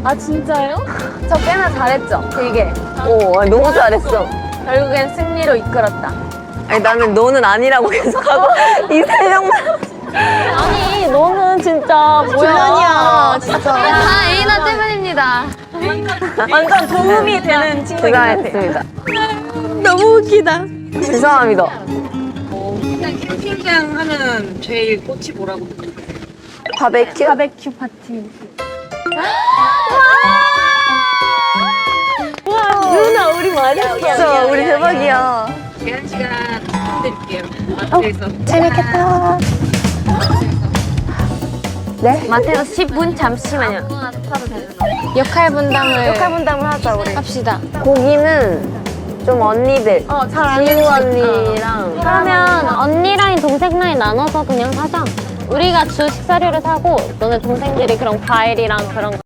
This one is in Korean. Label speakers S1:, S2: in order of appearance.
S1: 아, 진짜요?
S2: 저 꽤나 잘했죠? 되게.
S3: 오, 너무 잘했어.
S2: 결국엔 승리로 이끌었다.
S3: 아니, 나는 너는 아니라고 계속하고 이 세 명만.
S1: 아니, 너는 진짜 뭐야.
S3: 주연이야, 진짜.
S2: 다 에이나 때문입니다.
S1: 완전 도움이 되는 친구인 것 같아.
S3: 수고하셨습니다.
S1: 너무 웃기다.
S3: 죄송합니다.
S4: 일단 캠핑장 하면 제일 꽃이 뭐라고?
S3: 바베큐?
S1: 바베큐 파티. 와, 누나, 우리 많이 했어.
S3: 진짜 우리 대박이야.
S4: 제한 시간 드릴게요. 마트에서.
S1: 재밌겠다.
S3: 네?
S2: 마테오 10분 잠시만요. 역할 분담을
S3: 하자, 우리.
S2: 합시다.
S3: 고기는 좀 언니들.
S2: 잘 아는
S3: 지우 언니랑.
S1: 그러면 언니 라인, 동생 라인 나눠서 그냥 사자. 우리가 주 식사료를 사고 너네 동생들이 그런 과일이랑 그런 거